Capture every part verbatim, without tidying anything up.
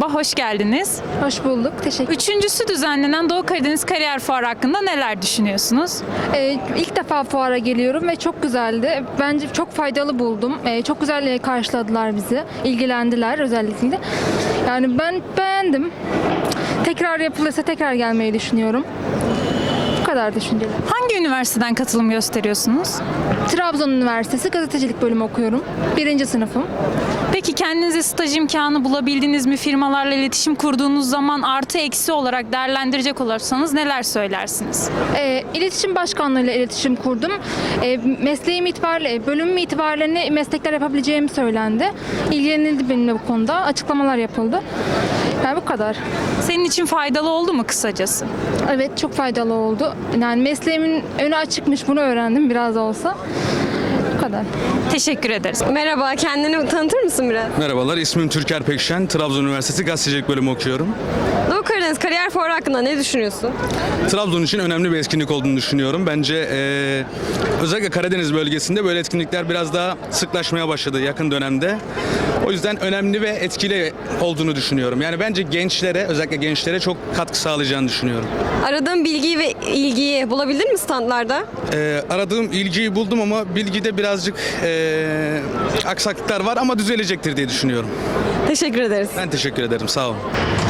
merhaba, hoş geldiniz. Hoş bulduk, teşekkür Üçüncüsü düzenlenen Doğu Karadeniz Kariyer Fuarı hakkında neler düşünüyorsunuz? Ee, ilk defa fuara geliyorum ve çok güzeldi. Bence çok faydalı buldum. Ee, çok güzel e, karşıladılar bizi, ilgilendiler özellikle. Yani ben beğendim. Tekrar yapılırsa tekrar gelmeyi düşünüyorum. Bu kadar düşüncelerim. Hangi üniversiteden katılım gösteriyorsunuz? Trabzon Üniversitesi gazetecilik bölümü okuyorum. Birinci sınıfım. Peki kendinize staj imkanı bulabildiniz mi? Firmalarla iletişim kurduğunuz zaman artı eksi olarak değerlendirecek olursanız neler söylersiniz? E, iletişim başkanlığıyla iletişim kurdum. E, mesleğim itibariyle, bölümüm itibariyle ne meslekler yapabileceğim söylendi. İlgilenildi benimle bu konuda. Açıklamalar yapıldı. Yani bu kadar. Senin için faydalı oldu mu kısacası? Evet, çok faydalı oldu. Yani mesleğimin önü açıkmış, bunu öğrendim biraz da olsa. Bu kadar. Teşekkür ederiz. Merhaba, kendini tanıtır mısın biraz? Merhabalar, ismim Türker Pekşen. Trabzon Üniversitesi Gazetecilik Bölümü okuyorum. Doğu Karadeniz Kariyer Fuarı hakkında ne düşünüyorsun? Trabzon için önemli bir etkinlik olduğunu düşünüyorum. Bence eee, özellikle Karadeniz bölgesinde böyle etkinlikler biraz daha sıklaşmaya başladı yakın dönemde. O yüzden önemli ve etkili olduğunu düşünüyorum. Yani bence gençlere, özellikle gençlere çok katkı sağlayacağını düşünüyorum. Aradığın bilgiyi ve ilgiyi bulabildin mi standlarda? Eee, aradığım ilgiyi buldum ama bilgide birazcık eee, aksaklıklar var ama düzelecektir diye düşünüyorum. Teşekkür ederiz. Ben teşekkür ederim, sağ olun.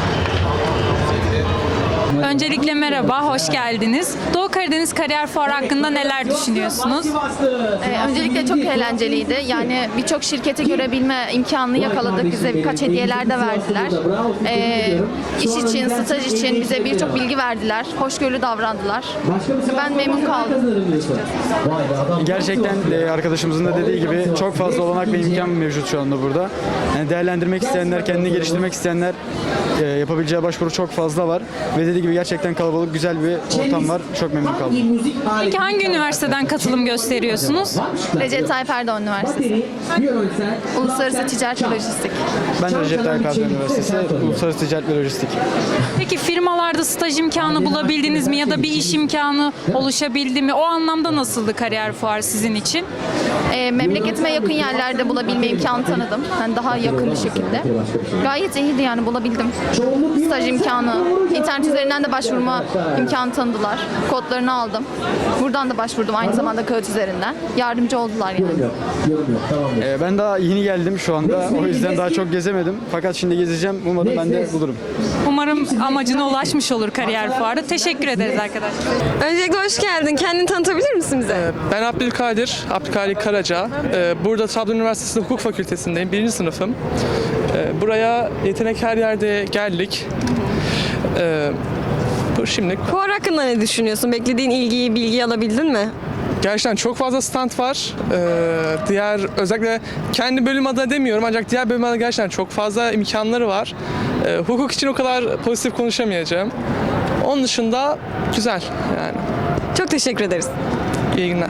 Öncelikle merhaba, hoş geldiniz. Doğu Karadeniz Kariyer Fuarı hakkında neler düşünüyorsunuz? Ee, öncelikle çok eğlenceliydi. Yani birçok şirketi görebilme imkanını yakaladık. Bize birkaç hediyeler de verdiler. Ee, iş için, staj için bize birçok bilgi verdiler. Hoşgörülü davrandılar. Ben memnun kaldım. Gerçekten e, arkadaşımızın da dediği gibi çok fazla olanak ve imkan mevcut şu anda burada. Yani değerlendirmek isteyenler, kendini geliştirmek isteyenler e, yapabileceği başvuru çok fazla var. Ve dediği gibi gerçekten kalabalık, güzel bir ortam var. Çok memnun kaldım. Peki hangi üniversiteden katılım gösteriyorsunuz? Recep Tayyip Erdoğan Üniversitesi. Uluslararası Ticaret ve Lojistik. Ben de Recep Tayyip Erdoğan Üniversitesi, Uluslararası Ticaret ve Lojistik. Peki firmalarda staj imkanı bulabildiniz mi ya da bir iş imkanı oluşabildi mi? O anlamda nasıldı kariyer fuarı sizin için? Ee, memleketime yakın yerlerde bulabilme imkanı tanıdım. Yani daha yakın bir şekilde. Gayet iyiydi yani bulabildim. Staj imkanı, internet üzerinden de başvurma imkanı tanıdılar. Kodlarını aldım. Buradan da başvurdum aynı zamanda kağıt üzerinden. Yardımcı oldular yani. E, ben daha yeni geldim şu anda. O yüzden daha çok gezemedim. Fakat şimdi gezeceğim. Umarım ben de bulurum. Umarım amacına ulaşmış olur kariyer fuarı. Teşekkür ederiz arkadaşlar. Öncelikle hoş geldin. Kendini tanıtabilir misin bize? Ben Abdülkadir, Abdülkadir Karaca. Ee, Burada Trabzon Üniversitesi Hukuk Fakültesindeyim, birinci sınıfım. Ee, Buraya yetenek her yerde geldik. Ee, Bu şimdi Fuar hakkında ne düşünüyorsun? Beklediğin ilgiyi, bilgiyi alabildin mi? gerçekten çok fazla stand var. Ee, Diğer, özellikle kendi bölüm adına demiyorum ancak diğer bölüm adına gerçekten çok fazla imkanları var. Ee, Hukuk için o kadar pozitif konuşamayacağım. Onun dışında güzel yani. Çok teşekkür ederiz. İyi günler.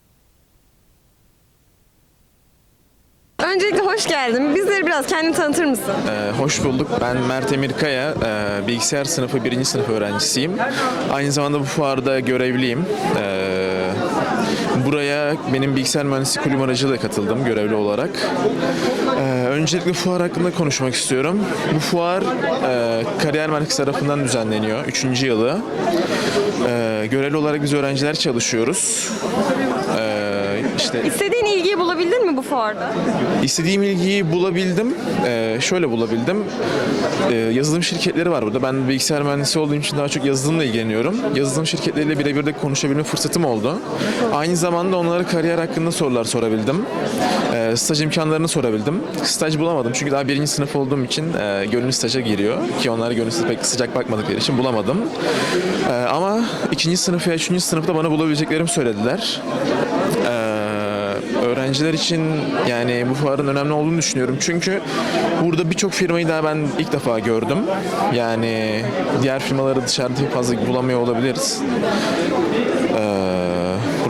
Öncelikle hoş geldin. Bizleri biraz kendini tanıtır mısın? Ee, hoş bulduk. Ben Mert Emir Kaya, e, bilgisayar sınıfı birinci sınıf öğrencisiyim. Aynı zamanda bu fuarda görevliyim. Ee, buraya benim bilgisayar mühendisliği kulübü aracılığıyla katıldım görevli olarak. Ee, öncelikle fuar hakkında konuşmak istiyorum. Bu fuar e, Kariyer Merkezi tarafından düzenleniyor. Üçüncü yılı. Ee, görevli olarak biz öğrenciler çalışıyoruz. Ee, işte İstediğin ilgiyi bulabildin mi bu fuarda? İstediğim ilgiyi bulabildim. Ee, şöyle bulabildim. Ee, yazılım şirketleri var burada. Ben bilgisayar mühendisi olduğum için daha çok yazılımla ilgileniyorum. Yazılım şirketleriyle birebir de konuşabilme fırsatım oldu. Aynı zamanda onlara kariyer hakkında sorular sorabildim. Ee, staj imkanlarını sorabildim. Staj bulamadım çünkü daha birinci sınıf olduğum için e, gönüllü staja giriyor. Ki onlar gönüllü staja pek sıcak bakmadıkları için bulamadım. Ee, ama ikinci sınıf ya üçüncü sınıfta bana bulabileceklerimi söylediler. Ee, öğrenciler için yani bu fuarın önemli olduğunu düşünüyorum. Çünkü burada birçok firmayı daha ben ilk defa gördüm. Yani diğer firmaları dışarıda fazla bulamıyor olabiliriz. Ee,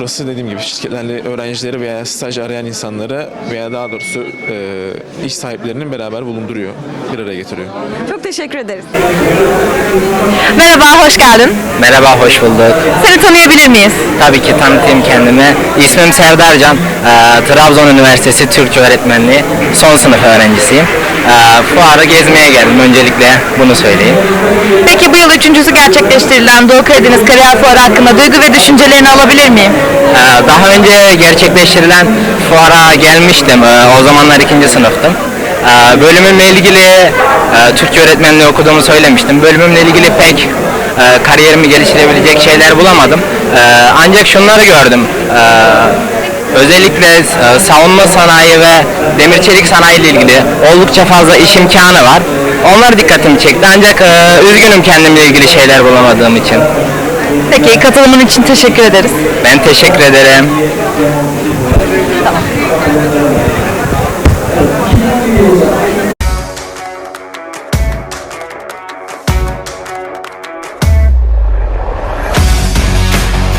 burası dediğim gibi şirketlerle öğrencileri veya staj arayan insanları veya daha doğrusu e, iş sahiplerinin beraber bulunduruyor, bir araya getiriyor. Çok teşekkür ederiz. Merhaba, hoş geldin. Merhaba, hoş bulduk. Seni tanıyabilir miyiz? Tabii ki tanıtayım kendimi. İsmim Serdar Can. Ee, Trabzon Üniversitesi Türkçe Öğretmenliği son sınıf öğrencisiyim. Ee, fuarı gezmeye geldim. Öncelikle bunu söyleyeyim. Peki bu yıl üçüncüsü gerçekleştirilen Doğu Karadeniz Kariyer Fuarı hakkında duygu ve düşüncelerini alabilir miyim? Ee, daha önce gerçekleştirilen fuara gelmiştim. Ee, o zamanlar ikinci sınıftım. Ee, bölümümle ilgili e, Türkçe öğretmenliği okuduğumu söylemiştim. Bölümümle ilgili pek e, kariyerimi geliştirebilecek şeyler bulamadım. Ee, ancak şunları gördüm. Ee, Özellikle e, savunma sanayi ve demir çelik sanayi ile ilgili oldukça fazla iş imkanı var. Onlar dikkatimi çekti ancak e, üzgünüm kendimle ilgili şeyler bulamadığım için. Peki katılımın için teşekkür ederiz. Ben teşekkür ederim. Tamam.